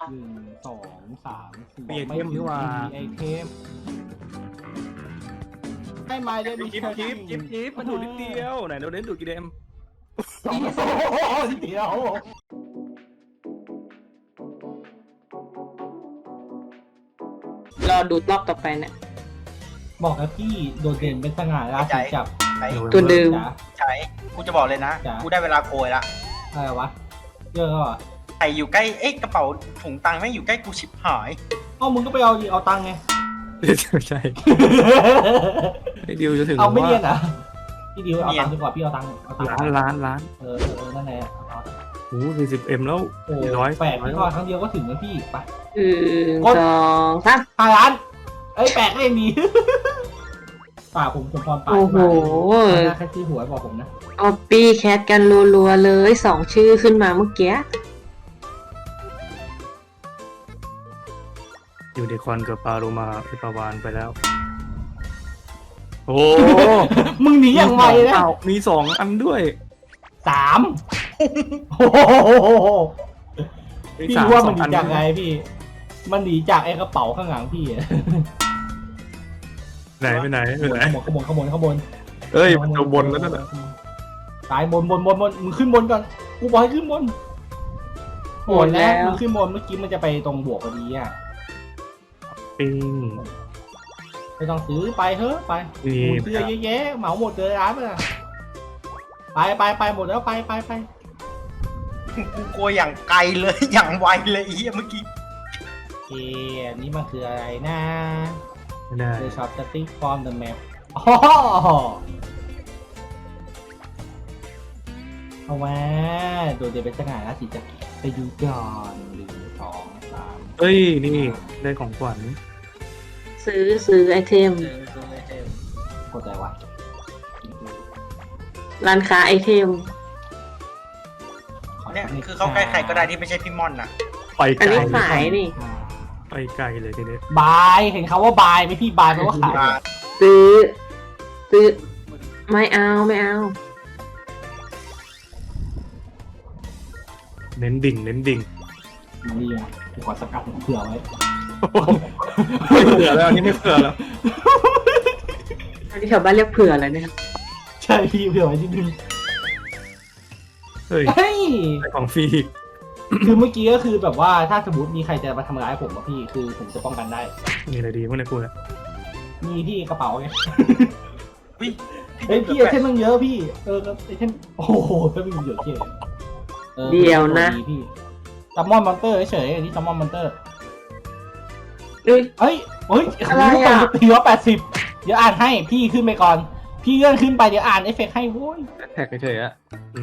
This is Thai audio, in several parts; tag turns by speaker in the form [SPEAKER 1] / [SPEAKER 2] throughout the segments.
[SPEAKER 1] 1 2 3 4
[SPEAKER 2] มีไอเทมนี่หว่า
[SPEAKER 1] ไอเทมให้ไม้ได้มี
[SPEAKER 2] จิ๊บมันดูดนิดเดียวไหนเราเน้นดูดกี่เดม
[SPEAKER 1] โอ้โหเดียว
[SPEAKER 3] รอดูรอบต่อไปเนี่ย
[SPEAKER 1] บอกนะพี่โดดเด่นเป็นสง่าราศีจับ
[SPEAKER 4] ใช้
[SPEAKER 3] ตัวเดิม
[SPEAKER 1] จ๋า
[SPEAKER 4] ใช้กูจะบอกเลยนะ
[SPEAKER 1] จ้ะ
[SPEAKER 4] กูได้เวลาโกยละ
[SPEAKER 1] อะไรวะเยอะแล้วอ่ะ
[SPEAKER 4] ใครอยู่ใกล้กระเป๋าถุงตังค์ไม่งอยู่ใกล้กูชิบหาย
[SPEAKER 1] อ้าวมึงก็ไปเอาดิเอาตังค์ไง
[SPEAKER 2] ใช่ไอดิวจะถึง
[SPEAKER 1] เอาไม่
[SPEAKER 2] ว่า
[SPEAKER 1] เรียนอ่ะพี่ดิวเอาตังค์ดีกว่าพี่เอาตังค์เอาตังค์
[SPEAKER 2] ล้าน
[SPEAKER 1] นั่นแหละเอา
[SPEAKER 2] โอ้40M แล้ว
[SPEAKER 1] โอ้
[SPEAKER 2] ร้อย
[SPEAKER 1] แปดพี่ทอดครั้งเดียวก็ถึงแล้วพี่ไป
[SPEAKER 3] สองสาม
[SPEAKER 1] 5 ล้านเอ้ยแปดก็ยังดี ป่าผมพรป่า
[SPEAKER 3] โอ้โห
[SPEAKER 1] แค่ชื่อหัวบอกผมนะ
[SPEAKER 3] เอาปีแคทกันรัวๆเลย2 ชื่อขึ้นมาเมื่อกี้
[SPEAKER 2] อยู่ในคอนกับปลาโลมาพิปาวานไปแล้ว โอ้
[SPEAKER 1] มึงหนีอย่างไวนะ
[SPEAKER 2] มี2 อันด้วย
[SPEAKER 1] 3โอ้โหพี่ว่ามันหนีจากไงพี่ มันหนีจากไอ้กระเป๋าข้างหลังพี่อะ
[SPEAKER 2] ไหนไปไหน
[SPEAKER 1] ขบวน
[SPEAKER 2] เอ้ยมันจะบนแล้วนั่นแหละ
[SPEAKER 1] ตายบนมึงขึ้นบนก่อนกูบอกให้ขึ้นบนโหดแล้วมึงขึ้นบนเมื่อกี้มันจะไปตรงบวกพอดีอ่ะ
[SPEAKER 2] ปิง
[SPEAKER 1] ไม่ต้องซื้อไปเถอะไป
[SPEAKER 2] นี่
[SPEAKER 1] เสื้อเยอะแยะเหมาหมดเลยร้านมันอะไปหมดแล้วไป
[SPEAKER 4] กูโกยอย่างไกลเลย อย่างไวเลยไอ้เหี้ยเมื่อกี้
[SPEAKER 1] โอเคอันนี้มันคืออะไรนะ
[SPEAKER 2] ไม่ได้
[SPEAKER 1] The shop static from the map อ๋อเอามาโดดเด่นเป็นสง่าราศีจักรไปดูก่อน1 2 3
[SPEAKER 2] เอ้ยนี่ได้ของขวัญ
[SPEAKER 3] ซื้อไอเทม
[SPEAKER 1] กดอะไรวะ
[SPEAKER 3] ร้านค้าไอเทม
[SPEAKER 4] เนี่ยคือเข้าใกล้ใครก็ได้ที่ไม่ใช่พี่ม่อนน่ะ
[SPEAKER 2] ไปไก
[SPEAKER 3] อัน
[SPEAKER 2] ล
[SPEAKER 3] นี้ขายนี่
[SPEAKER 2] ไปไกลเลยทีนี้
[SPEAKER 1] บายเห็นเขาว่าบายไหมพี่บายแปลว่าขาย
[SPEAKER 3] ซื้อไม่เอา
[SPEAKER 2] เน้นดิ่ง
[SPEAKER 1] นี่ไงกูขอสกัดเผื่อไว้
[SPEAKER 2] ไม่เผื่อแล้วอันนี้ไม่เผื่อแล้ว
[SPEAKER 3] อันนี้ชาวบ้านเรียกเผื่ออะไรเนี่ย
[SPEAKER 1] ใช่พี่เผื่อไว้นิดนึง
[SPEAKER 2] เฮ้ย
[SPEAKER 1] เฮ้ย
[SPEAKER 2] ได้ของฟรี
[SPEAKER 1] คือเมื่อกี้ก็คือแบบว่าถ้าสมมติมีใครจะมาทำร้ายผมอะพี่คือผมจะป้องกันได้
[SPEAKER 2] มีอะไรดีบ้างเนี่ยกูเนี่ย
[SPEAKER 1] มีพี่กระเป๋าไง
[SPEAKER 4] เฮ้ย
[SPEAKER 1] เฮ้ยพี่ไอเทมมันเยอะพี่ไอเทมโอ้โหก็มีเยอะเจ๊
[SPEAKER 3] เดี๋ยวนะ
[SPEAKER 1] พี่ซัมมอนมอนเตอร์เฉยๆอันนี้ซัมมอนมอนเตอร์
[SPEAKER 3] เอ้ย
[SPEAKER 1] เฮ้ย
[SPEAKER 3] อะไร
[SPEAKER 1] ทุกคน
[SPEAKER 3] อะ
[SPEAKER 1] ตีว่า80เดี๋ยวอ่านให้พี่ขึ้นไปก่อน พี่เลื่อนขึ้นไปเดี๋ยวอ่านเอฟเฟกต์ให้โว้ย
[SPEAKER 2] แท็กเฉยๆอ่ะ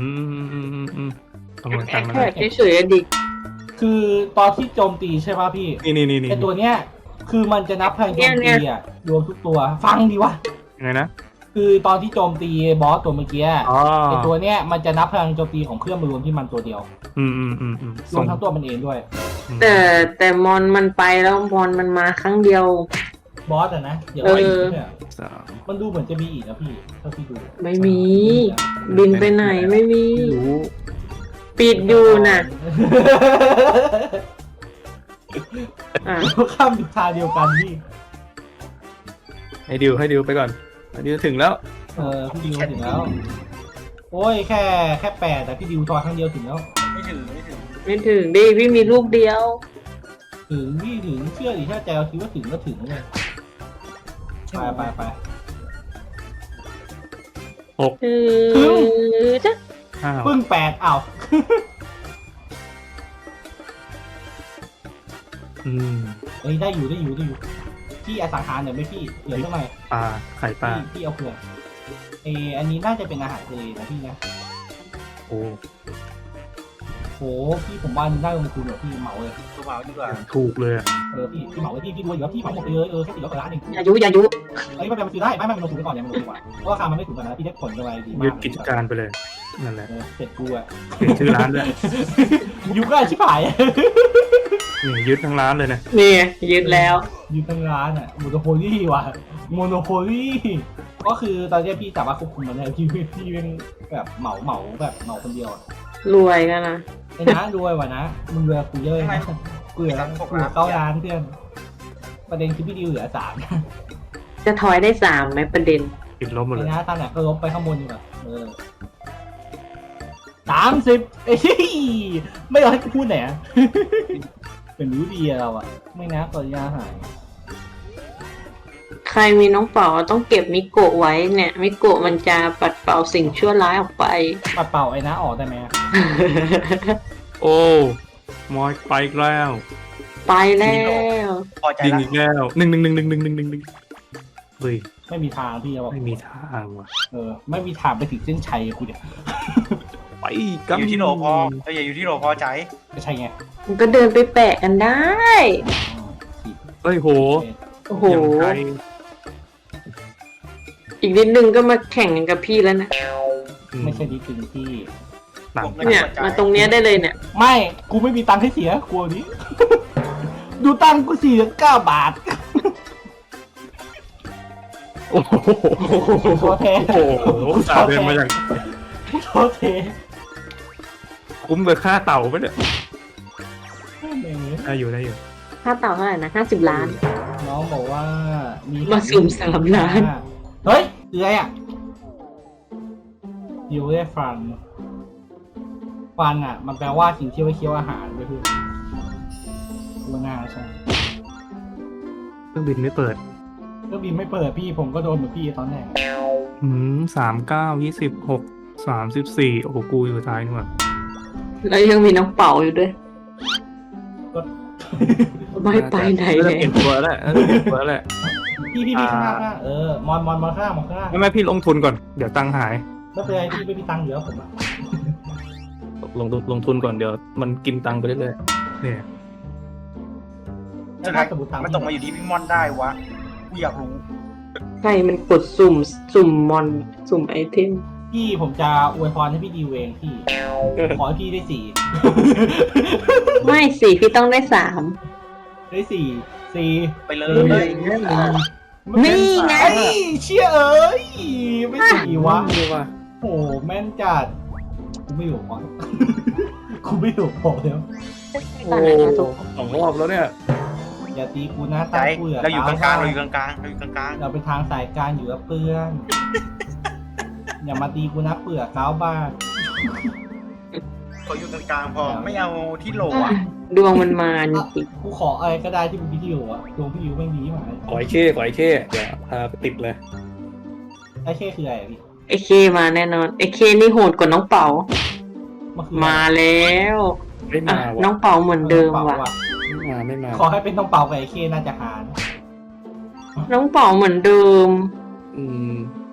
[SPEAKER 2] ขโมย
[SPEAKER 3] แอ
[SPEAKER 2] ตัง
[SPEAKER 3] ค
[SPEAKER 2] ค์มา
[SPEAKER 3] แท็
[SPEAKER 2] เลย
[SPEAKER 3] กเฉยๆดิ
[SPEAKER 1] คือตอนที่โจมตีใช่ป่ะพี่
[SPEAKER 2] นี่
[SPEAKER 1] ไอตัวเนี้ยคือมันจะนับพลังโจมตีอะรวมทุกตัวฟังดีวะ
[SPEAKER 2] ยังไงนะ
[SPEAKER 1] คือตอนที่โจมตีบอสตัวเมื่อกี้
[SPEAKER 2] อ๋อ
[SPEAKER 1] ไอตัวเนี้ยมันจะนับพลังโจมตีของเครื่องมารวมที่มันตัวเดียว รวมทั้งตัวมันเองด้วย
[SPEAKER 3] แต่มอนมันไปแล้วมอนมันมาครั้งเดียว
[SPEAKER 1] บอสอะนะเดี๋ยวไว้อีกเนี่ย
[SPEAKER 2] 3
[SPEAKER 1] มันดูเหมือนจะมีอีกนะพี่เท่าที่ดู
[SPEAKER 3] ไม่มี บินไปไหนไม่มี
[SPEAKER 2] รู้
[SPEAKER 3] ปิดอยู่น่ะอ่ะ
[SPEAKER 1] ข้ามทางเดียวกันพี่
[SPEAKER 2] ให้ดิวไปก่อนอันนี้ถึงแล้ว
[SPEAKER 1] พี่ดิวถึงแล้ว โอ้ยแค่8แต่พี่ดิวทอยครั้งเดียวถึงแล้ว
[SPEAKER 4] ไม่ถึง
[SPEAKER 3] ไม่ถึงดิพี่มีลูกเดียว
[SPEAKER 1] ถึงพี่ถึงเชื่อดิถ้าใจเราคิดว่าถึงก็ถึงเลยไป
[SPEAKER 3] จ้ะ
[SPEAKER 2] 5
[SPEAKER 1] ปึ้ง8อ้าว เฮ้ยได้อยู่พี่อสังหารหน่อยไหมพี่เหลือเท่าไหร่
[SPEAKER 2] ปลาไข่ปลา
[SPEAKER 1] พี่เอาเผื่ออันนี้น่าจะเป็นอาหารทะเลนะพี่นะ
[SPEAKER 2] โอ้
[SPEAKER 1] โหพี่ผมว่าได้ลงทุนเหรอพี่เหมาเลย
[SPEAKER 4] ตัวเมาดีกว่า
[SPEAKER 2] ถูกเลยอะ
[SPEAKER 1] พี่เหมาไว้พี่รวยอยู่แล้วพี่เหมาหมดไปเลยแค่400 กว่าล้านเอง
[SPEAKER 3] อย่ายุ
[SPEAKER 1] เอ้ยไม่เป็นไรมันซื้อได้ไม่มันลงทุนไปก่อนเนี่ยมันลงทุนก่อนเพราะราคามันไม่ถูกกันนะพี่ได้ผลกำไรดีมาก
[SPEAKER 2] ยึดกิจการไปเลยนั่นแหละ
[SPEAKER 1] เสร็จกูอะ
[SPEAKER 2] เปลี่ยนชื่อร้านด้วย
[SPEAKER 1] ยุก็ชิบหาย
[SPEAKER 2] นี่ยึดทั้งร้านเลยนะ
[SPEAKER 3] นี่ยึดแล้ว
[SPEAKER 1] ยุทั้งร้านอะโมโนโพลี่ว่ะโมโนโพลี่ก็คือตอนนี้พี่สามารถควบคุมมันได้พี่เป็นแบบเหมาแบบเหมาคนเดียวอะ
[SPEAKER 3] รวยกันนะ
[SPEAKER 1] ไอ้นะรวยว่ะนะมึงรวยกูเยอะนะกูกูเหลือเข้าร้านเพื่อน ประเด็นคือพี่ดิวเหลือ3
[SPEAKER 3] จะทอยได้3ไหมประเด็น
[SPEAKER 2] ติดลบหมดเลย
[SPEAKER 1] นะตามไหนก็ลบไปข้างบนดีกว่า30เอ้ยไม่เอาให้กูพูดไหนอะเป็นรู้ดีอะเราอะไม่นะก่อนยาหาย
[SPEAKER 3] ใครมีน้องเป๋าต้องเก็บมิโกะไว้เนี่ยมิโกะมันจะปัดเป่าสิ่งชั่วร้ายออกไป
[SPEAKER 1] ปัดเป่าไอ้นะออกได้ไหมอะ
[SPEAKER 2] โอ้มอยไปอีกแล้ว
[SPEAKER 3] ไปแล้ว
[SPEAKER 4] พอใจ
[SPEAKER 2] ยิง
[SPEAKER 4] แล้ว
[SPEAKER 2] อีกแล้วหนึ่งเฮ้ย
[SPEAKER 1] ไม่มีทางพี่จะบอก
[SPEAKER 2] ไม่มีทางว่ะ
[SPEAKER 1] ไม่มีทางไปถึงเส้นชัยกูเนี่ย
[SPEAKER 2] ไปกัน
[SPEAKER 4] อยู่ที่โหลพอเราอย่าอยู่ที่โหลพอใจ
[SPEAKER 1] ก็ใช่ไง
[SPEAKER 3] มันก็เดินไปแปะกันได้
[SPEAKER 2] เฮ้ยโห
[SPEAKER 3] โอ้โห
[SPEAKER 2] อย่างไกล
[SPEAKER 3] อีกนิดนึงก็มาแข่งกันกับพี่แล้วนะ
[SPEAKER 1] ไม่ใช่ดีถึงที่
[SPEAKER 2] ต่าง
[SPEAKER 3] เนี่ยมาตรงเนี้ยได้เลยเนี่ย
[SPEAKER 1] ไม่กูไม่มีตังค์ให้เสียกลัวนี้ ดูตังค์กู49 บาท
[SPEAKER 2] โอ้โห
[SPEAKER 1] โทษเท
[SPEAKER 2] โอ้โหสาเดินมาอย่าง
[SPEAKER 1] โทษเท
[SPEAKER 2] คุ้มกับค่าเต่าปะเนี่ยได้อยู่
[SPEAKER 3] ค่าเต่าเท่าไหร่นะ50 ล้าน
[SPEAKER 1] น้องบอกว่ามี
[SPEAKER 3] มาสุ่ม3 ล้าน
[SPEAKER 1] เฮ้ยคืออะไรอ่ะอยู่ได้ฟันอ่ะ มันแปลว่าสิ่งที่ไว้เคี้ยวอาหารไปเพื่อนกูน่าใช่
[SPEAKER 2] เครื่องบินไม่เปิด
[SPEAKER 1] ก็บินไม่เปิดพี่ผมก็โดนเหมือนพี่ตอนแรก
[SPEAKER 2] 39 26 34โอ้โหกูอยู่ท้ายนี่หว่า
[SPEAKER 3] แล้วยังมีน้องเป๋าอยู่ด้วย
[SPEAKER 1] ก็
[SPEAKER 3] ไม่ไปไหน
[SPEAKER 2] เล
[SPEAKER 3] เลย ย
[SPEAKER 2] เปลี่ยนตัวแล้วเปลี่ยนตัวแล้ว
[SPEAKER 1] พี่ข้างหน้ามอนข้างหน้า
[SPEAKER 2] ไม่พี่ลงทุนก่อนเดี๋ยวตังค์หาย
[SPEAKER 1] ไม่เป็นไรพี่ไม่มีตังค์เหลือผมอ่ะ
[SPEAKER 2] ลงทุนก่อนเดี๋ยวมันกินตังค์ไปเรื่อยๆเนี่ย
[SPEAKER 1] แล้วถ้าสมมติตังค์
[SPEAKER 4] มันตกมาอยู่ที่พี่มอนได้วะกูอยากรู้
[SPEAKER 3] ใครมันกดสุ่มมอนสุ่มไอเทม
[SPEAKER 1] พี่ผมจะอวยพรให้พี่ดีเวงพี่ ขอให้พี่ได้4
[SPEAKER 3] ไม่สิพี่ต้องได้
[SPEAKER 1] ได้4
[SPEAKER 4] ไปเล
[SPEAKER 1] เฮ้
[SPEAKER 4] ย
[SPEAKER 3] นี่ไง
[SPEAKER 1] ไอ้เชี่ยเอ้ยไม่4วะ
[SPEAKER 2] ดูว่า
[SPEAKER 1] โหแม่นจัดกูไม่อยู่พอ กูไม่อยู่พอแล้ว
[SPEAKER 2] โอ้2 รอบแล้วเนี่ย
[SPEAKER 1] อย่าตีกูนะ
[SPEAKER 4] ใจ
[SPEAKER 1] ตากูเหลือ
[SPEAKER 4] เราอยู่กลางๆเราอยู่กลางๆเราอยู่กลาง
[SPEAKER 1] เราไปทางสายกลางอยู่กับเพื่อน อย่ามาตีกูนะเปลือกก้าวบ้าน
[SPEAKER 4] ๆเขาอยู่กลางๆพอไม่เอาที่โหลอ่ะ
[SPEAKER 3] ดวงมันมาจริง
[SPEAKER 1] กูขออะไรก็ได้ที่เป็นพี่ดิวอะดวงพี่ดิวไม่ดีมา
[SPEAKER 2] ขอไอ้เข้เดี๋ยวพาไปติดเลย
[SPEAKER 1] ไอ้เช่คืออะไรพี่
[SPEAKER 3] ไอเคมาแน่นอนไอเคนี่โหดกว่าน้องเป๋า
[SPEAKER 1] มันคือ
[SPEAKER 3] มาแล้ว
[SPEAKER 2] ไม่
[SPEAKER 3] อ่ะ
[SPEAKER 2] มา
[SPEAKER 3] น้อ
[SPEAKER 2] ว่ะ
[SPEAKER 3] งเป๋าเหมือนเดิมว่ะ
[SPEAKER 2] ไม่มา
[SPEAKER 1] ขอให้เป็นน้องเป่ากับไอ้เช่น่าจะหาร
[SPEAKER 3] น้องเป๋าเหมือนเดิม
[SPEAKER 2] อืม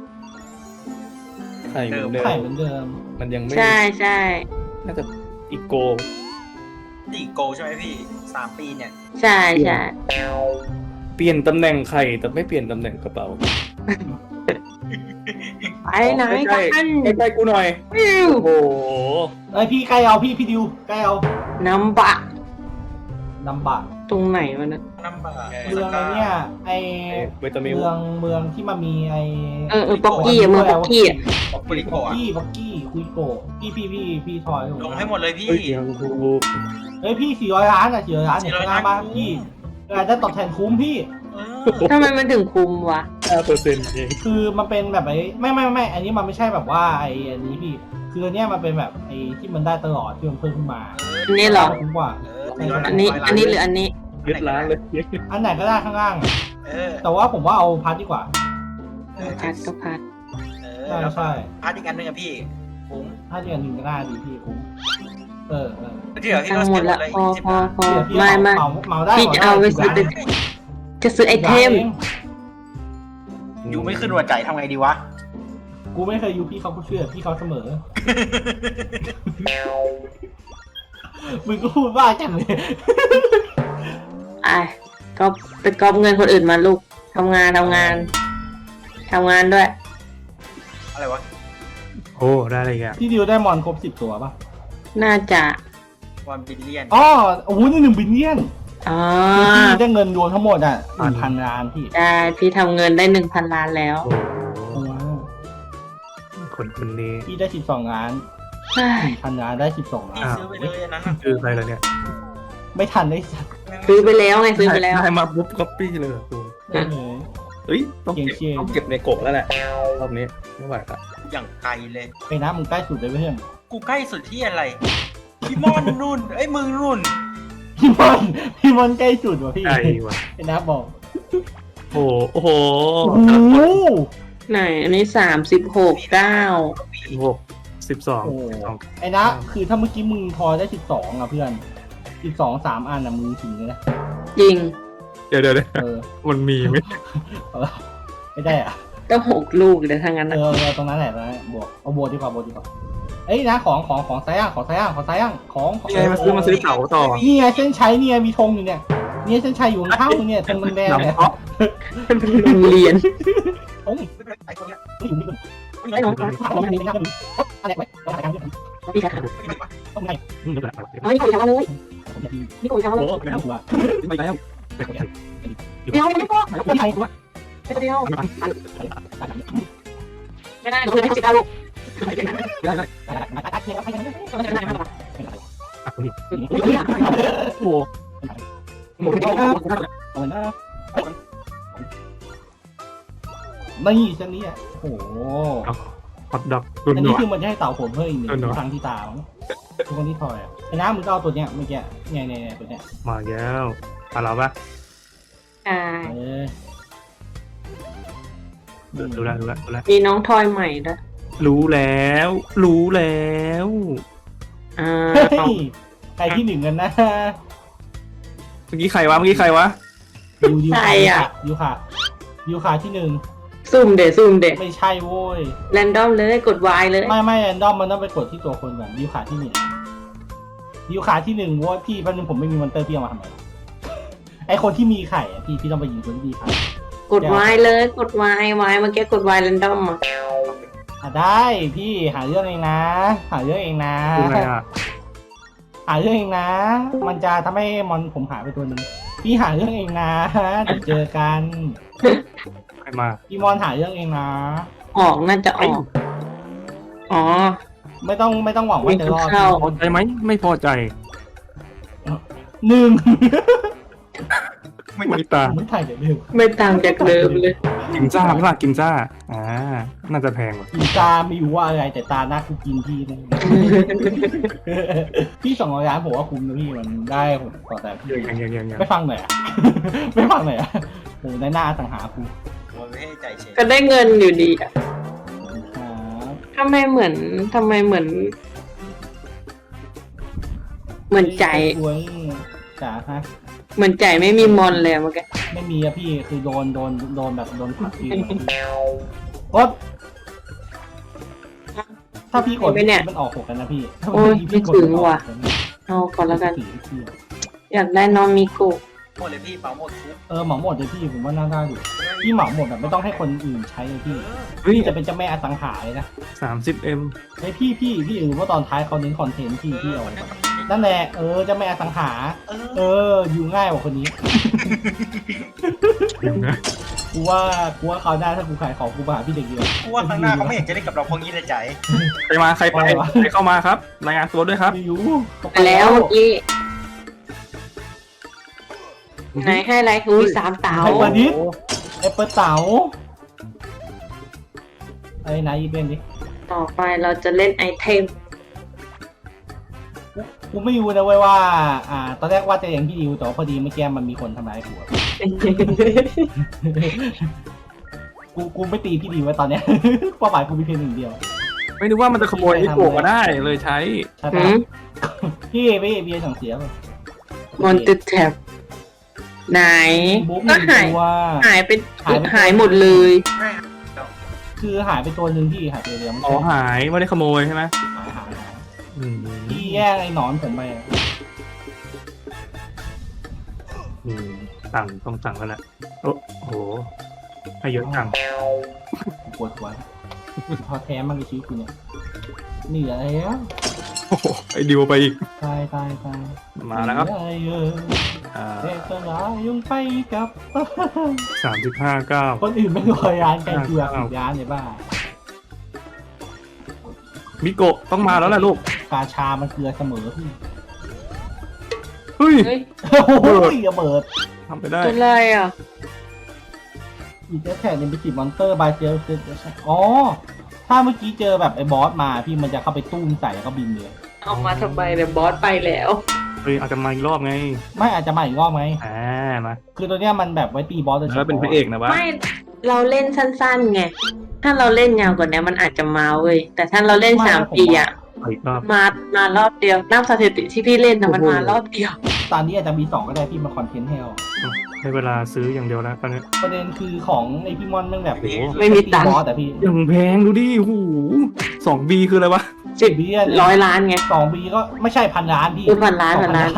[SPEAKER 2] ไข่เหมือนเดิ
[SPEAKER 1] ไข่
[SPEAKER 2] ม
[SPEAKER 1] เหมือนเดิม
[SPEAKER 2] มันยังไม่
[SPEAKER 3] ใช่ใช่
[SPEAKER 2] น่าจะอีโก
[SPEAKER 4] ตีโกใช่ไหมพี่3 ปีเนี่ย
[SPEAKER 3] ใช่ใช่
[SPEAKER 2] เปลี่ยนตำแหน่งไข่แต่ไม่เปลี่ยนตำแหน่งกระเป๋า
[SPEAKER 3] ไปไหนกัน
[SPEAKER 2] ใกล้ๆกูหน่อย
[SPEAKER 3] วิว
[SPEAKER 2] โอ้โห
[SPEAKER 1] ไอ้ยพี่ใกล้เอาพี่ดิวใกล้เอา
[SPEAKER 3] น้ำบะ
[SPEAKER 1] ลำบาก
[SPEAKER 3] ตรงไหนวะเนี่ย
[SPEAKER 4] น้ำบา
[SPEAKER 1] เมืองไอ้เนี่ยไอ้
[SPEAKER 2] เวตามิล
[SPEAKER 1] เมืองที่มันมีไอ้
[SPEAKER 3] ป๊อกกี้อะเมืองป๊อกกี้อะ
[SPEAKER 4] บอก
[SPEAKER 1] คุ
[SPEAKER 4] บริ
[SPEAKER 1] ย
[SPEAKER 4] โกะ
[SPEAKER 1] กี้คุยโกะพี่ทอย
[SPEAKER 4] ลงให้หมดเลยพี่
[SPEAKER 2] เฮ้ยยังกู
[SPEAKER 1] เฮ้ยพี่400 ล้านอ่ะ400 ล้านเนี่ย
[SPEAKER 4] 400
[SPEAKER 1] ข้างหน้าบ้าน
[SPEAKER 4] ล้าน
[SPEAKER 1] พี่ได้ตอบแทนคุ้มพี่
[SPEAKER 3] ทำไมมันถึงคุมวะ
[SPEAKER 2] 5%เอง
[SPEAKER 1] คือมันเป็นแบบไอ้ไม่อันนี้มันไม่ใช่แบบว่าไอ้อันนี้พี่ คืออันเนี้ยมันเป็นแบบไอ้ที่มันได้ตลอดที่มันเพิ่มขึ้นมา
[SPEAKER 3] อันนี้เหรอ
[SPEAKER 1] คุ้มกว่า
[SPEAKER 3] อันนี้หรืออันนี้
[SPEAKER 2] ยึดร้านเลย
[SPEAKER 1] อันไหนก็ได้ข้างล่าง
[SPEAKER 4] เออ
[SPEAKER 1] แต่ว่าผมว่าเอาพาร์ทดีกว่า
[SPEAKER 3] พัดก็พัด
[SPEAKER 1] ใช่
[SPEAKER 4] พาร์ทอีกอันหนึงอะพี่คุ้ม
[SPEAKER 1] ถ้าเดือนหนึ่งก็น่าดีพี่คุ้มเออ
[SPEAKER 4] ที่เหลือที่
[SPEAKER 3] ตัง
[SPEAKER 4] เรา
[SPEAKER 3] ค์หม
[SPEAKER 4] เสีย
[SPEAKER 3] ด
[SPEAKER 4] หม
[SPEAKER 3] ละ
[SPEAKER 4] ดเลย
[SPEAKER 3] พอ
[SPEAKER 4] 20
[SPEAKER 3] พอ
[SPEAKER 4] ล้าน
[SPEAKER 3] พอ
[SPEAKER 1] เดี๋ยวพี่
[SPEAKER 3] ไม่
[SPEAKER 1] เหมาได้
[SPEAKER 3] พี่จะเอาไปซื้อ
[SPEAKER 1] 10 ล้าน
[SPEAKER 3] จะซื้อไอเทม
[SPEAKER 4] อยู่ไม่ขึ้นหัวใจทำไงดีวะ
[SPEAKER 1] กูไม่เคยยูพี่เขาก็เชื่อพี่เขาเสมอ มึงก็พูดว่าจังเลย
[SPEAKER 3] ไอ้ก็ไปก๊อปเงินคนอื่นมาลูกทำงานด้วย
[SPEAKER 4] อะไรวะ
[SPEAKER 2] โอ้ได้อะไรกัน
[SPEAKER 1] พี่ดิวได้มอนครบ10 ตัวป่ะ
[SPEAKER 3] น่าจะ
[SPEAKER 4] 1 บิลเลียน
[SPEAKER 1] อ๋อโอ้โหนี่1 บิลเลียน
[SPEAKER 3] อ๋อ
[SPEAKER 1] พี่ได้เงินรวมทั้งหมดอ่ะ1,000 ล้านพี่
[SPEAKER 3] ได้พี่ทำเงินได้ 1,000 ล้านแล้ว
[SPEAKER 2] โอ้คนนี้
[SPEAKER 1] พี่ได้12 ล้าน 1,000 ล้านได้12 ล้าน
[SPEAKER 4] พี่ซื้อไปเลยอันนั้นอะ
[SPEAKER 2] คือใครล่ะเนี่ย
[SPEAKER 1] ไม่ทันได้สัก
[SPEAKER 3] ซื้อไปแล้วไงซื้อไปแล้ว
[SPEAKER 2] ได้มาปุ๊บก๊อปปี้เลยเหรอกู
[SPEAKER 1] ได้เลย
[SPEAKER 2] เฮ้ยต้อง
[SPEAKER 1] เก่งเชียร์
[SPEAKER 2] ต้องเก็บในกบแล้วแหละรอบนี้ไม่ไหวละ
[SPEAKER 4] อย่างไกลเลย
[SPEAKER 1] ไปนะมึงใกล้สุดเลยเพื่อน
[SPEAKER 4] กูใกล้สุดที่อะไรพี่มอนนุ่นเอ้ยมึงนุ่น
[SPEAKER 1] พี่มอนใกล้สุดว่ะพี่
[SPEAKER 2] ไอ้วะ
[SPEAKER 1] ไปนะบอก
[SPEAKER 2] โอ้โห
[SPEAKER 1] โอ้โห
[SPEAKER 3] ไหนอันนี้36 9
[SPEAKER 2] 16 12
[SPEAKER 1] โอ้ไอ้นะคือถ้าเมื่อกี้มึงพอได้12อ่ะเพื่อน12 3 อันอ่ะมึงถึงเลยนะ
[SPEAKER 3] จริง
[SPEAKER 2] เดี๋ยว
[SPEAKER 1] เออ
[SPEAKER 2] มันมีไหม
[SPEAKER 1] เอาละไม่ได้อ่ะ
[SPEAKER 3] ก็6 ลูกเลยทั้งนั้น
[SPEAKER 1] เอ
[SPEAKER 3] นะ
[SPEAKER 1] อตรงนั้นแหละนะบวกเอาบวกดีกว่าเอ้ยนะของซ้ายย่างของ
[SPEAKER 2] นี่ไงมาซื้อเต่าต่อ
[SPEAKER 1] นี่ไงเส้นชัยเนี่ยมีธงอยู่เนี่ยเส้นชัยอยู่ข้างๆมึงเนี่ยธงแดงๆเนี่ย
[SPEAKER 2] น้ำเพาะ
[SPEAKER 3] เป็นโรงเรียน
[SPEAKER 1] ธง
[SPEAKER 4] ไอ้คนเนี้ย
[SPEAKER 1] ไม่อยู่อะไรไว้อะไรกัน
[SPEAKER 3] พี่ค่ะ
[SPEAKER 1] ต้องไง
[SPEAKER 3] เอาไม่คุยกันเลยนี่คุยกันเลย
[SPEAKER 1] โอ้ไม่ถูกอ่ะ
[SPEAKER 2] ไม่แล้ว
[SPEAKER 3] เดี๋ยวไม่พอ
[SPEAKER 1] ไม่ใช่กูว่า
[SPEAKER 3] เดียวไม่ได้เราไม่10 ลูก
[SPEAKER 2] โอ้
[SPEAKER 1] นี่เส้นนี้อ่ะโอ้โห
[SPEAKER 2] ฮอตดอกรุ่น
[SPEAKER 1] อัน
[SPEAKER 2] หน
[SPEAKER 1] นี้
[SPEAKER 2] วด
[SPEAKER 1] คือมันจะให้เต่าผมเพิ่มอีกหนึ่
[SPEAKER 2] หนวด
[SPEAKER 1] งครั้งที่ตาทุกคนที่ทอยอ่ะไอ้น้ำมึงก็เอาตัวเนี้ยเมื่อกี้เนี่ยตัวเนี้ย
[SPEAKER 2] มาแล้วมาแล้วปะ
[SPEAKER 3] อ่า
[SPEAKER 1] เออ
[SPEAKER 2] ดูแล
[SPEAKER 3] มีน้องทอยใหม่ด้วย
[SPEAKER 2] รู้แล้ว
[SPEAKER 3] อ่า
[SPEAKER 1] เฮ้ยใครที่หนึ่งกันนะ
[SPEAKER 2] เมื่อกี้ใครวะ
[SPEAKER 1] ยูคาที่หนึ่ง
[SPEAKER 3] ซุ่มเดะ
[SPEAKER 1] ไม่ใช่โว้ย
[SPEAKER 3] แรนดอมเลยกด Y เลย
[SPEAKER 1] ไม่แรนดอมมันต้องไปกดที่ตัวคนก่อนยูคาที่หนึ่งโว้ยพี่แป๊บนึงผมไม่มีมอนเตอร์พี่เอามาทำไมไอคนที่มีไข่อะพี่ต้องไปยิงคนที่มีไข่
[SPEAKER 3] กด Y เลยกด Y เมื่อกี้กด Y แรนดอมอ่ะ
[SPEAKER 1] ได้พี่หาเรื่องเองนะ
[SPEAKER 2] ดูไงอ่ะ
[SPEAKER 1] หาเรื่องเองนะ มันจะทำให้มอนผมหายไปตัวหนึ่งพี่หาเรื่องเองนะเดี๋ยวเจอกัน
[SPEAKER 2] ใครมา
[SPEAKER 1] พี่มอนหาเรื่องเองนะ
[SPEAKER 3] ออกน่าจะออกอ๋อ
[SPEAKER 1] ไม่ต้องหวังว่าจะรอด
[SPEAKER 3] เข้า
[SPEAKER 2] พอใจไหมไม่พอใจ
[SPEAKER 1] หนึ่ง
[SPEAKER 2] ไม่ตาม
[SPEAKER 1] ไม่ถ่ายเดี๋ยวหนึ่ง
[SPEAKER 3] ไม่ต่างจากเดิมเลย
[SPEAKER 2] กินซ่าไม่ว่ากินซ่าน่าจะแพงว่ะ
[SPEAKER 1] กินตาไม่รู้ว่าอะไรแต่ตาหน้ากูกินพี่นะ พี่200 ล้านผมว่าคุ้มนะพี่มันได้ผมต่อแต่พี่
[SPEAKER 2] ยัง
[SPEAKER 1] ไม่ฟังหน่อยอะไม่ฟังหน่อยอะโอ้ในหน้าสังหากู
[SPEAKER 4] มันไม่ให้ใจเฉย
[SPEAKER 3] ก็ได้เงินอยู่ดีอ่ะ
[SPEAKER 1] ครับ
[SPEAKER 3] ทำไมเหมือนใจ
[SPEAKER 1] กล้วยจ๋าฮะ
[SPEAKER 3] เหมือนใจไม่มีมอนเลยอะเมื่อกี้
[SPEAKER 1] ไม่มีอะพี่คือโดนแบบโดนผลักพี่กดถ้าพี่กดมันออก6กันนะพี่
[SPEAKER 3] โอ้ยไม่ถึงว่ะเอาก่อนแล้วกัน อยากได้น้องมิโกะ
[SPEAKER 4] หมดเลยพี่เป๋าหมดทุก
[SPEAKER 1] เหมาหมดเลยพี่ผมว่าน่าได้อยู่พี่เหมาหมดแบบไม่ต้องให้คนอื่นใช้เลยพี่
[SPEAKER 2] เฮ้ย
[SPEAKER 1] พี่จะเป็นเจ้าแม่อสังหาเลยนะ
[SPEAKER 2] 30M
[SPEAKER 1] ไอ้พี่หรือว่าตอนท้ายเขาเน้นคอนเทนต์พี่เอาไว้ก่อนนั่นแหละเจ้าแม่อสังหา อยู่ง่ายกว่าคนนี้ กูว่าเขาได้ถ้ากูขายของกูมาหาพี่เด็กเดียว
[SPEAKER 4] กูว่าข้างหน้าเขาไม่อยากจะเล่นกับเราพวกนี้เลยใจ
[SPEAKER 2] ใครมาใครไปใครเข้ามาครับรายงานตัวด้วยครับ
[SPEAKER 1] ไม่รู้
[SPEAKER 3] ไปแล้วเมื่อกี้ไหนให้อะไรอุ้ย3 เต๋า
[SPEAKER 1] ไอ้ปลาดิษไอ้เปิดเต๋าไอ้นายอีเป็นดิ
[SPEAKER 3] ต่อไปเราจะเล่นไอเทม
[SPEAKER 1] กูไม่รู้นะเว้ยว่าตอนแรกว่าจะอย่างพี่ดิวแต่ว่าพอดีเมื่อกี้มันมีคนทำร้ายกูอะกูไม่ตีพี่ดิวไว้ตอนเนี้ย เป้าหมายกูมีเพียงหนึ่งเดียว
[SPEAKER 2] ไม่นึกว่ามันจะขโมยนิโกะมาได้เลยใช้
[SPEAKER 1] ใช่ปะพี่เบียร์สั่งเสียป่ะ
[SPEAKER 3] มอนติแท็บไหน
[SPEAKER 1] บุ๊ก
[SPEAKER 3] ก็
[SPEAKER 1] หนึ่งตัว
[SPEAKER 3] หายหมดเลย
[SPEAKER 1] คือหายไปตัวหนึ่งพี่หายไปเดียวไม่
[SPEAKER 2] อ๋อ
[SPEAKER 1] ใช่
[SPEAKER 2] หายไม่ได้ขโมยใช่ไหม
[SPEAKER 1] หาย
[SPEAKER 2] อืม
[SPEAKER 1] พี่แย่งไอ้หนอนผมไปอะ
[SPEAKER 2] ต้องสั่งแล้วแหละโอ้โหให้เยอะจัง
[SPEAKER 1] ปวดหัวพอแท้มากในชีวิตกูเนี่ยเหนื่อยแล้ว
[SPEAKER 2] โอ้โหไอ้ดิวไปอีก
[SPEAKER 1] ตาย
[SPEAKER 2] มาแล้วครับ
[SPEAKER 1] เหนื่อยเทศนายังไปกับ
[SPEAKER 2] 35-9
[SPEAKER 1] คนอื่นไม่รอยร้านไกลเกลือปิดร้านเลยบ้า
[SPEAKER 2] มิโกะต้องมาแล้วแหละลูก
[SPEAKER 1] กาชามันเกลือเสมอพี่
[SPEAKER 2] เฮ้ย
[SPEAKER 3] เฮ้ย
[SPEAKER 1] โอ้โหระเบิด
[SPEAKER 2] ทำไปได้
[SPEAKER 3] ตัวอะไรอ่ะ
[SPEAKER 1] อีกแค่เนี่ยเป็นติดมอนเตอร์บายเจลอ๋อถ้าเมื่อกี้เจอแบบไอ้บอสมาพี่มันจะเข้าไปตุ้มใส่แล้วก็บินเลย
[SPEAKER 3] เอามาทำไมเนี่ยบอสไปแล้ว
[SPEAKER 2] เฮ้ยอาจจะมาอีกรอบไง
[SPEAKER 1] ไม่อาจจะมาอีกรอบไหม
[SPEAKER 2] มา
[SPEAKER 1] คือตัวเนี้ยมันแบบไว้ตีบอสโดยเฉ
[SPEAKER 2] แล้ว
[SPEAKER 1] พาะ
[SPEAKER 2] เป็นพระเอกนะวะ
[SPEAKER 3] ไม่เราเล่นสั้นๆไง ถ้าเราเล่นยาวกว่านี้มันอาจจะมาเว้ย แต่ถ้าเราเล่น3 ปีอ่ะ
[SPEAKER 2] อีกรอบ
[SPEAKER 3] มารอบเดียวนับสถิติที่พี่เล่นนะมันมารอบเดียว
[SPEAKER 1] ตอนนี้อาจจะมี2ก็ได้พี่มาคอนเทนต์ให้เอา
[SPEAKER 2] ให้เวลาซื้ออย่างเดียวแล้วตอนนี้
[SPEAKER 1] ประเด็นคือของในพี่มอนมันแบบ
[SPEAKER 2] โอ้โห
[SPEAKER 3] ไม่มีตังค์
[SPEAKER 1] บอสแต่พี่
[SPEAKER 2] ยังแพงดูดิหู2B คืออะไรวะ
[SPEAKER 1] 10 บีเนี่ย
[SPEAKER 3] 100 ล้านไง
[SPEAKER 1] 2 บีก็ไม่ใช่1,000 ล้านพี่
[SPEAKER 3] พันล้านพันล้าน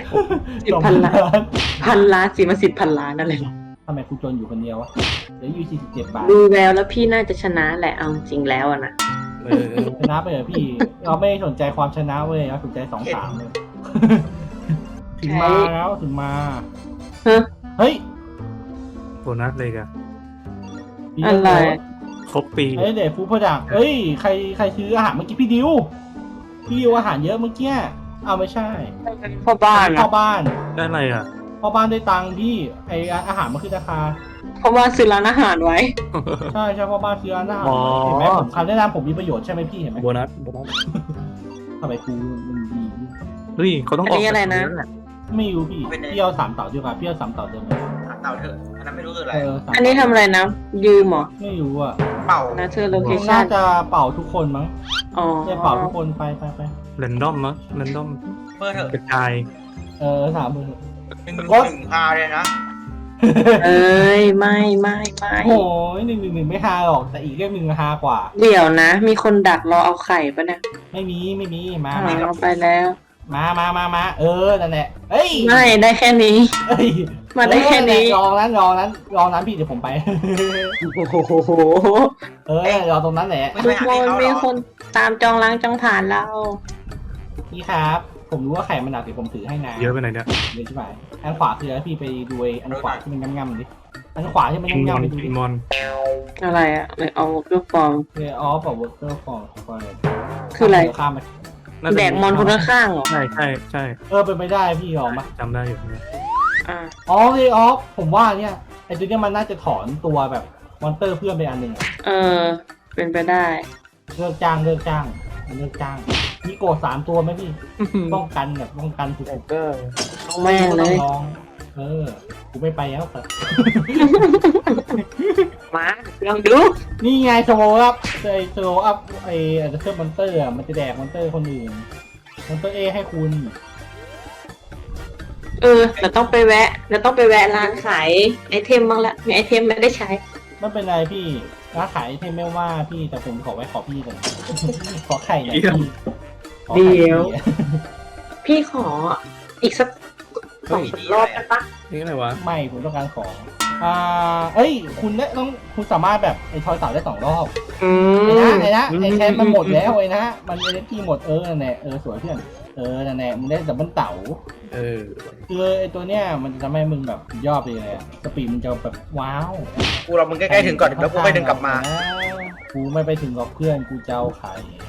[SPEAKER 3] 10,000 ล้าน 1,000 ล้านสิมา10,000 ล้านนั่นเลย
[SPEAKER 1] ทำไมกูจนอยู่คนเดียววะเดี๋ยวอยู่47 บาท
[SPEAKER 3] ดูแววแล้วพี่น่าจะชนะแหละเอาจริงแล้วอะนะ
[SPEAKER 1] ชนะไปเหรอพี่ เราไม่สนใจความชนะเว้ยเราสนใจ2-3เลย ถึงมาแล้วถึงมา
[SPEAKER 3] ฮะ
[SPEAKER 1] เฮ้ย
[SPEAKER 2] โบนัสเลยกัน
[SPEAKER 3] อะไร
[SPEAKER 2] ครบปี
[SPEAKER 1] เฮ้ยเดฟฟูดโปรดักต์เฮ้ยใครซื้ออาหารเมื่อกี้พี่ดิวอาหารเยอะเมื่อกี้เอาไม่ใช่
[SPEAKER 3] พ่อบ้าน
[SPEAKER 1] พ่อ
[SPEAKER 3] อะ
[SPEAKER 1] บ้าน
[SPEAKER 2] ได้อะไรอ่ะ
[SPEAKER 1] พ่อบ้านได้ตังค์พี่ไออาหารมันขึ้นราคา
[SPEAKER 3] พ่อบ้านซื้อร้านอาหารไว้
[SPEAKER 1] ใช่พ่อบ้านซื้ออาหาร
[SPEAKER 2] อ๋อ
[SPEAKER 1] เห็นไหมผมคำแนะนำผมมีประโยชน์ใช่ไหมพี่เห็นไหม
[SPEAKER 2] โบนัส
[SPEAKER 1] ทำไมกูมันดี
[SPEAKER 2] เฮ้ยเขาต้องออก
[SPEAKER 3] อันนี้อะไรนะ
[SPEAKER 1] ไม่รู้พี่พี่เอา3 เต่าดีกว่าพี่เอา3 เต่าเดิมเลย
[SPEAKER 4] เต่าเถอะอันนั้นไม่รู้คืออะไร
[SPEAKER 1] 3
[SPEAKER 3] อันนี้ทำอะไรนะ ยืมเหรอ
[SPEAKER 1] ไม่รู้อ่ะ
[SPEAKER 4] เป่า
[SPEAKER 3] นะเธอโลเค
[SPEAKER 1] น่า
[SPEAKER 3] ชั่น
[SPEAKER 1] จะเป่าทุกคนมั้ง
[SPEAKER 3] อ๋อ
[SPEAKER 1] เนี่ยเป่าทุกคนไป
[SPEAKER 2] แรนดอมมั้งแรนดอม
[SPEAKER 4] เพื่อเถอะ
[SPEAKER 2] กระจาย
[SPEAKER 1] 3 มือ
[SPEAKER 4] 1 พาเลยนะ
[SPEAKER 3] เอ้ยไม่ไม่
[SPEAKER 1] โอ้ย111ไม่ฮาหรอกแต่อีกเรื่องหนึ่งฮากว่า
[SPEAKER 3] เดี๋ยวนะ มีคนดักรอเอาไข่ปะเนี่ย
[SPEAKER 1] ไม่มีมา
[SPEAKER 3] เอาไปแล้ว
[SPEAKER 1] มานั่นแหละเอ้ย
[SPEAKER 3] ไม่ได้แค่นี้
[SPEAKER 1] เอ้ย
[SPEAKER 3] มาได้แค่นี้
[SPEAKER 1] ลองนั้นพี่เดี๋ยวผมไป
[SPEAKER 3] โอ้โห
[SPEAKER 1] รอตรงนั้นแหละ
[SPEAKER 4] ไม่
[SPEAKER 3] ทุ
[SPEAKER 4] ไป
[SPEAKER 3] ก
[SPEAKER 4] หา
[SPEAKER 3] ค
[SPEAKER 4] ที่
[SPEAKER 3] น
[SPEAKER 4] เขาหร
[SPEAKER 3] มี
[SPEAKER 4] อ
[SPEAKER 3] คนตามจองล้างจองผ่านเรา
[SPEAKER 1] พี่ครับ ผมรู้ว่าไข่มันหนักเดี๋ยวผมถือให้นะ
[SPEAKER 2] เยอะไปไหนเนี่ย
[SPEAKER 1] เดี๋ยวใช่ไหมอันขวาคืออะไรพี่ไปดูอันขวาที่มันง่ำๆดิอันขวาที่มัน
[SPEAKER 2] กินมอ
[SPEAKER 1] ง่ำ
[SPEAKER 2] น
[SPEAKER 1] ๆไปดู
[SPEAKER 2] กิ
[SPEAKER 1] ดิ
[SPEAKER 2] นมอน
[SPEAKER 3] อะไรอะเลยเอาลูกฟอง
[SPEAKER 1] ออฟกับวอเตอร์ฟอร์
[SPEAKER 3] คืออะไร
[SPEAKER 1] ข้ามไป
[SPEAKER 2] น่าจะ
[SPEAKER 3] แดกมอนคนข้างๆเหรอ
[SPEAKER 2] ใช่
[SPEAKER 1] เป็นไม่ได้พี่ออกมา
[SPEAKER 2] จำได้อยู่เนี่ย
[SPEAKER 3] อ่า
[SPEAKER 1] อ๋อเลยออฟผมว่าเนี่ยไอ้ตัวเนี้ยมันน่าจะถอนตัวแบบมอนเตอร์เพื่อนไปอันหนึ่งอะ
[SPEAKER 3] เออ เป็นไปได้
[SPEAKER 1] เลิกจ้างมีโกด3 ตัวไหมพี่ป้องกันสุด
[SPEAKER 3] เอาแม่งเลย
[SPEAKER 1] ลองกูไม่ไปแล้วแต่
[SPEAKER 3] มาลองดู
[SPEAKER 1] นี่ไงสโลว์อัพไออาจจะเพิ่มมอนเตอร์มันจะแดกมอนเตอร์คนอื่นมอนเตอร์เอให้คุณ
[SPEAKER 3] เราต้องไปแวะร้านขายไอเทมบ้างละมีไอเทมไม่ได้ใช้
[SPEAKER 1] ไม่เป็นไรพี่ร้านขายเทมไม่ว่าพี่แต่ผมขอไว้ขอพี่ก่อน ขอไข่หน่อยพี่ขอไข่
[SPEAKER 3] เดี๋ยว
[SPEAKER 1] พี่
[SPEAKER 3] พี่ขออีกสัก2-3 รอบได้ปะ
[SPEAKER 2] นี่อะไรวะ
[SPEAKER 1] ไม่ผมต้องการของคุณสามารถแบบไอ้ทอยเต่าได้2 รอบ ไอ้นะไอ้แคทมันหมดแล้วไอ้นะมันเอเนจีหมดนั่นแหละสวยเพื่อนนั่นแหละมึงได้ดับเบิลเต่า คือไอ้ตัวเนี้ยมันจะทำให้มึงแบบยอดไปเลยอะสปีดมึงจะแบบว้าว
[SPEAKER 4] กูรอมึงใกล้ๆถึงก่อนแล้วกูค่อยเดินกลับมา
[SPEAKER 1] กูไม่ไปถึงกับเพื่อนกูจะเอาไข่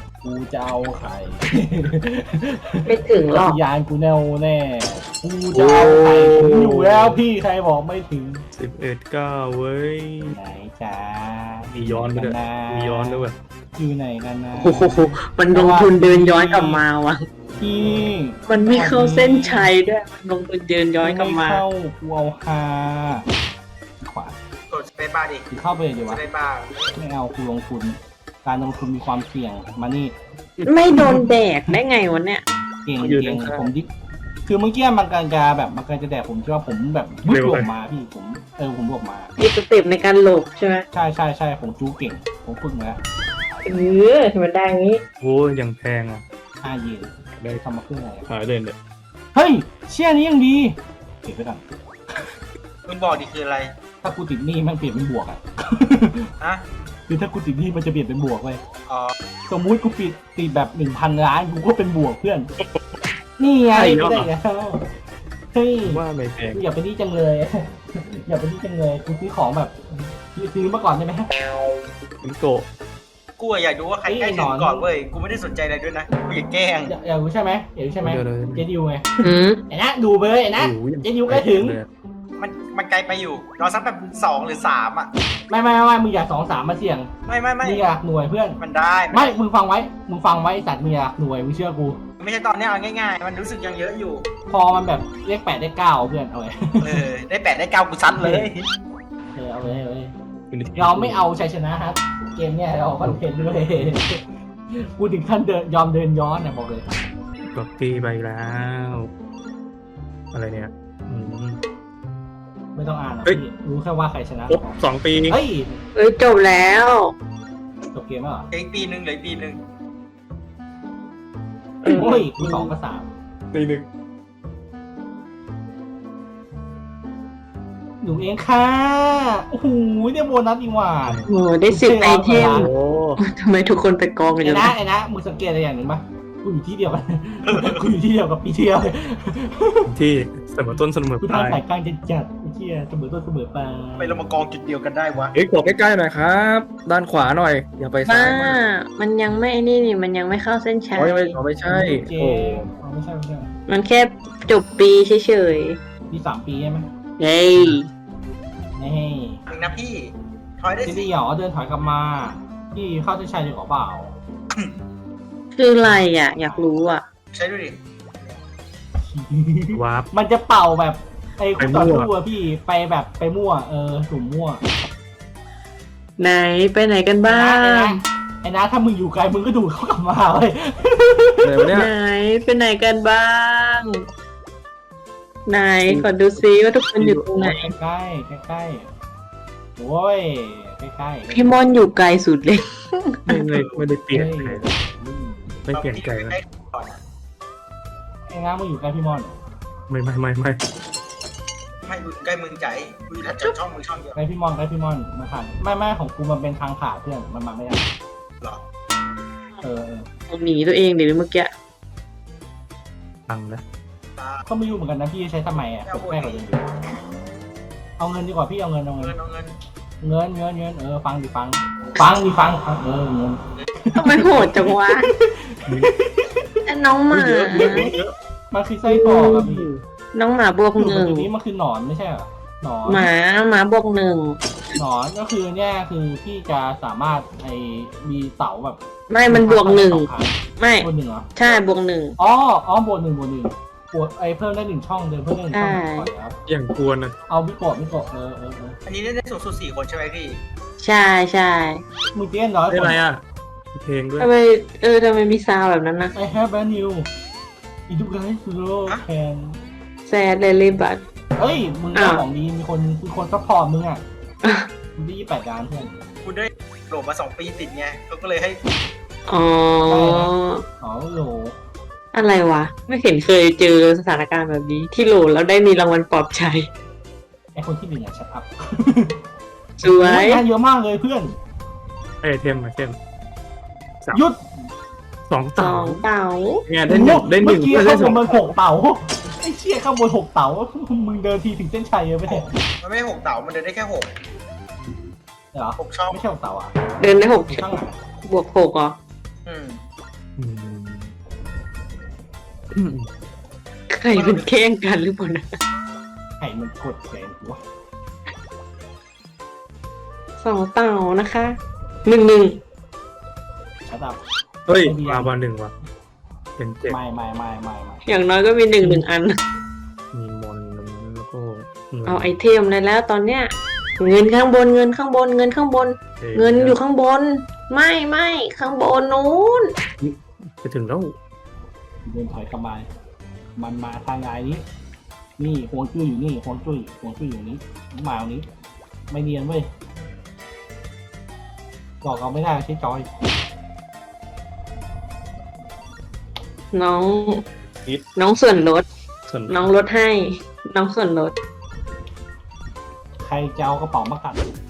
[SPEAKER 3] ไม่ถึงหรอก
[SPEAKER 1] ยานกูแน่วแน่กูจะเอาไข่ถึงอยู่แล้วพี่ใครบอกไม่ถึง
[SPEAKER 2] 11-9เว้ย
[SPEAKER 1] ไหนจ้า
[SPEAKER 2] มีย้อนไปด้วยมีย้อนด้วยเว้ย
[SPEAKER 1] อยู่ไหนกันนะ
[SPEAKER 3] โอ้โหมันลงทุนเดินย้อนกลับมาวะ
[SPEAKER 1] พี่
[SPEAKER 3] มันไม่เข้าเส้นชัยด้วยมันลงทุนเดินย้อนกลับมา
[SPEAKER 1] ไเข้ากูเอาฮาขวาก
[SPEAKER 4] ดสเปซบาร์ดิ
[SPEAKER 1] คือเข้าไปเลยดี
[SPEAKER 4] ส
[SPEAKER 1] วะ
[SPEAKER 4] เปซบาร์
[SPEAKER 1] ไม่เอากูลงทุน การลงทุนมีความเสี่ยงมานี่
[SPEAKER 3] ไม่โดนแดกได้ไงวะเนี่ย
[SPEAKER 1] เก่งผมดิคือเมื่อกี้มันกำลังจะแบบมันกำลังจะแดกผมใช่ป่ะผมแบบบวกมาพี่ผมบวกมา
[SPEAKER 3] มีสเต็ปในการหลบใช่ไหม
[SPEAKER 1] ใช่ผมจู้เก่งผมฝึกมาแล้ว
[SPEAKER 3] มันได้งี้
[SPEAKER 2] โอ้ยยังแพงอ่ะ
[SPEAKER 1] 5 เยนได้ทำมาเพื่ออะไรอะ
[SPEAKER 2] หายเลยเนี่ย
[SPEAKER 1] เฮ้ยเชี่ยนี้ยังดีเก็บไว้ก่อน
[SPEAKER 4] มึงบอกดิคืออะไร
[SPEAKER 1] ถ้ากูติดหนี้มันเปลี่ยนเป็นบวกอ่ะ
[SPEAKER 4] ฮะ
[SPEAKER 1] คือถ้ากูติดหนี้มันจะเปลี่ยนเป็นบวกเว้ย
[SPEAKER 4] อ๋อ
[SPEAKER 1] สมมุติกูติดแบบ 1,000 ล้านกูก็เป็นบวกเพื่อน นี่ไงไม่ได้แล้วเฮ้ย
[SPEAKER 2] ว่าไม่แพง
[SPEAKER 1] อย่าไปนี่จังเลย อย่าไปนี่จังเลยกูซื้อของแบบซื้อมาก่อนได้ไหม
[SPEAKER 2] มิโกะ
[SPEAKER 4] กูอะอยากดูว่าใครใกล้ถึงก่อนเว้ยกูไม่ได้สนใจอะไรด้วยนะกูอยากแกล้ง
[SPEAKER 1] อยากรู้ใช่ไหมอยากรู้ใช่ไหมเจดิวไง
[SPEAKER 3] อืม
[SPEAKER 1] ไอ้นะดูไปเลยไอ้นะเจดิวใกล้ถึง
[SPEAKER 4] มันไกลไปอยู่รอสักแบบ2 หรือ 3อ่ะ
[SPEAKER 1] ไม่มึงอยาก2-3มาเสี่ยง
[SPEAKER 4] ไม่
[SPEAKER 1] มึงอยากหน่วยเพื่อน
[SPEAKER 4] มันได้
[SPEAKER 1] ไม่มึงฟังไว้ไอ้สัตว์มึงอยากหน่วยมึงเชื่อกู
[SPEAKER 4] ไม่ใช่ตอนนี้เอาง่ายๆมันรู้สึกยังเยอะอยู่
[SPEAKER 1] พอมันแบบเลข8ได้9เพื่อนเอาไว้
[SPEAKER 4] ได้8ได้9กูซัดเลย
[SPEAKER 1] เอาเลยเราไม่เอาชัยชนะครับเกมเนี่ยเราคอนเทนต์ด้วยกูถึงขั้นยอมเดินย้อนนะบอกเลย
[SPEAKER 2] กดตีไปแล้ว อะไรเนี่ย
[SPEAKER 1] ไม่ต้องอ่านหรอก
[SPEAKER 2] เฮ้ย
[SPEAKER 1] พี่รู้แค่ว่าใครชนะ
[SPEAKER 2] ครบ2 ปี
[SPEAKER 1] เฮ้ย
[SPEAKER 3] จบแล้ว
[SPEAKER 1] จบเกมแล้วเหรอ
[SPEAKER 4] อีกปีนึงเหลืออีกปีนึง
[SPEAKER 1] โอ้ยกู2 กับ
[SPEAKER 2] ปีหนึ่ง
[SPEAKER 1] 3หนูเองค่ะโอ้โหเนี่ยโบนัสอีกว่า
[SPEAKER 3] โอ้ได้10 ไอเทม
[SPEAKER 2] โอ้
[SPEAKER 3] ทำไมทุกคนไปกองกันอยู่
[SPEAKER 1] ไอ้นะมึงสังเกตอะไรอย่างหนึ่งปะกูอยู่ที่เดียวกัน กูอยู่ที่เดียวกับปีที่แล้วเลย
[SPEAKER 2] ที่เสมอต้นเสมอ
[SPEAKER 1] กู
[SPEAKER 2] ปลาย
[SPEAKER 1] ทำสายกลางจัดไอ้เหี้ยเสมอต้นเสมอปลาย
[SPEAKER 4] ไปเรามากองจุดเดียวกันได้วะ
[SPEAKER 2] เฮ้ยกดใกล้ๆหน่อยครับ ด้านขวาหน่อย อย่าไปซ้า
[SPEAKER 3] บ้าย
[SPEAKER 2] มาก
[SPEAKER 3] มันยังไม่ไอ้นี่มันยังไม่เข้าเส้นชัย
[SPEAKER 2] ไม่ใช่
[SPEAKER 1] เก
[SPEAKER 2] โอ้
[SPEAKER 1] มไม่ใช่
[SPEAKER 3] มันแค่จบปีเฉย
[SPEAKER 1] มี3 ปีใช่ไหม
[SPEAKER 3] ๆเฮ้ย
[SPEAKER 1] นี่
[SPEAKER 4] ถึงนะพี่ทอยได้
[SPEAKER 1] ที่
[SPEAKER 4] สิ
[SPEAKER 1] นี่หรอเดินถอยกลับมาที่เข้าเส้นชัยดีกว่าเปล่า
[SPEAKER 3] คืออะไรอ่ะ อยากรู้อ่ะ
[SPEAKER 4] ใช้ดูดิ
[SPEAKER 2] วาร์ป
[SPEAKER 1] มันจะเป่าแบบไอ้คู่ต่อ
[SPEAKER 2] ไปมั่ว
[SPEAKER 1] สู้อะพี่ไปแบบไปมั่วสุ่มมั่ว
[SPEAKER 3] ไหนไปไหนกันบ้าง
[SPEAKER 1] ไอ้นะถ้ามึงอยู่ไกลมึงก็ดูดเขากลับมาเลย
[SPEAKER 2] เลยวะเนี่ย
[SPEAKER 3] ไหนไปไหนกันบ้าง ไหนขอดูซิว่าทุกคนอยู่ตรงไหน
[SPEAKER 1] ใกล้ใกล้โอ้ยใกล้ๆ
[SPEAKER 3] พี่มอนอยู่ไกลสุดเลย
[SPEAKER 2] ไม่ได้เปลี่ยนใครไม่เปลี่ยนใจเลย
[SPEAKER 4] ก่อนนะ
[SPEAKER 1] ไอ้นะมึงอยู่ใกล้พี่มอน
[SPEAKER 2] ไม่
[SPEAKER 4] ไม่ดูใกล้มึงใจกูอยู่ถ้าช่องมึงช่องเดียว
[SPEAKER 1] ใกล้พี่มอนมาผ่านไม่ของกูมันเป็นทางผ่านเพื่อนมันมาไม่ได้
[SPEAKER 4] หรอ
[SPEAKER 3] หนีตัวเองเดี๋ยวเมื่อกี้
[SPEAKER 2] ตังแล้ว
[SPEAKER 1] ก็ไม่รู้เหมือนกันนะพี่ใช้ทำไมอ่ะแม่เขาจะอยู่เอาเงินดีกว่าพี่เอาเงิน
[SPEAKER 4] เอาเงิน
[SPEAKER 1] เงินฟังดิฟังเงิน
[SPEAKER 3] ทำไมโหดจังวะน้องหมา
[SPEAKER 1] มันคือไส้กรอกอะพี่
[SPEAKER 3] น้องหมาบวก
[SPEAKER 1] คือ
[SPEAKER 3] หนึ่ง
[SPEAKER 1] ตัวนี้มันคือหนอนไม่ใช่เหรอหนอน
[SPEAKER 3] หมาบวกหนึ่ง
[SPEAKER 1] หนอนก็คือเนี่ยคือพี่จะสามารถมีเสาแบบ
[SPEAKER 3] ไม่มันบวกหนึ่ง
[SPEAKER 1] 2 ครั้
[SPEAKER 3] ไม่
[SPEAKER 1] บวก 1เหรอ
[SPEAKER 3] ใช่บวกหนึ่ง
[SPEAKER 1] อ๋อบวก 1บวกเพิ่มได้1 ช่องเดินเพิ่มได้1 ช่องก่อนครับ
[SPEAKER 2] อย่างกวนนะ
[SPEAKER 1] เอามิโกะ
[SPEAKER 4] อันนี้ได้สูงสุด4 คนใช่ไหมพี่
[SPEAKER 3] ใช่ใช่
[SPEAKER 1] มึงเตี้ยนน้อย
[SPEAKER 2] ได้
[SPEAKER 1] คน
[SPEAKER 2] ไรอ่ะมีเพลงด้วย
[SPEAKER 3] ทำไมทำไมมีซาวแบบนั้นนะ
[SPEAKER 1] I have a new อีทุกไกด์โลแคน
[SPEAKER 3] แซดเลยบัต
[SPEAKER 1] เฮ้ยมึงได้ของดีมีคนซัพพอร์ตมึงอ่ะมึงได้28 ล้านเพื่อน
[SPEAKER 4] กูได้โหลดมา2 ปีติดไงเขาก็เลยให้
[SPEAKER 3] อ๋อ
[SPEAKER 1] อ๋อโหล
[SPEAKER 3] อะไรวะ ไม่เห็นเคยเจอสถานการณ์แบบนี้ ที่โหลแล้วได้มีรางวัลปลอบใจ
[SPEAKER 1] ไอคนที่1อ่ะชัดอัพ
[SPEAKER 3] สวย
[SPEAKER 1] งานเยอะมากเลยเพื่อน
[SPEAKER 2] ไอเทม
[SPEAKER 1] หยุด
[SPEAKER 2] 2
[SPEAKER 3] สอ
[SPEAKER 2] เต่าง
[SPEAKER 3] เต่า
[SPEAKER 2] เนี่ยได้หนึ่ง
[SPEAKER 1] เมื่อกี้
[SPEAKER 2] ได้
[SPEAKER 1] ข้างบ
[SPEAKER 2] สอน ง
[SPEAKER 1] มัน6 เต๋าไอ้เชี่ยข้างบน6 เต๋ามึงเดินทีถึงเส้นชัยเลยไม่ใช่
[SPEAKER 4] มันไม่ได้6 เต๋ามันเดินได้แค่6
[SPEAKER 1] เหรอ
[SPEAKER 4] 6 ช่อง
[SPEAKER 1] ไม่ใช่6 เต๋าอ่ะ
[SPEAKER 3] เดินได้หก
[SPEAKER 1] ข้างหลัง
[SPEAKER 3] บวกหกเหรอ
[SPEAKER 4] อืม
[SPEAKER 3] ใครเป็นแข่งกันหรือเปล่านะ
[SPEAKER 1] ไข่มันกดแขนกูวะ
[SPEAKER 3] สองเต่านะคะ1-1
[SPEAKER 1] ชัดอัพ
[SPEAKER 2] เฮ้ยมาวัน1ว่ะเป็น7
[SPEAKER 1] ไม่
[SPEAKER 3] อย่างน้อยก็มี1อัน
[SPEAKER 2] มีมอนแล้วก็
[SPEAKER 3] เอาไอเทมเลยแล้วตอนเนี้ย เงินข้างบนเงินข้างบนเงินข้างบน เงินอยู่ข้างบน ไม่ข้างบนนู้น
[SPEAKER 2] ไปถึงแล้ว
[SPEAKER 1] เดินถอยกลับมามันมาทางไงนี้ นี่ฮวงจุ้ยอยู่นี่ฮวงจุ้ยอยู่นี้มาตรงนี้ ไม่เนียนเว้ยบอกเราไม่ได้ใช้จอย
[SPEAKER 3] น้องส่วนลด
[SPEAKER 2] ส่วน
[SPEAKER 3] น้องลดให้ น้องส่วนลด
[SPEAKER 1] ใครจะเอากระเป๋ามากัด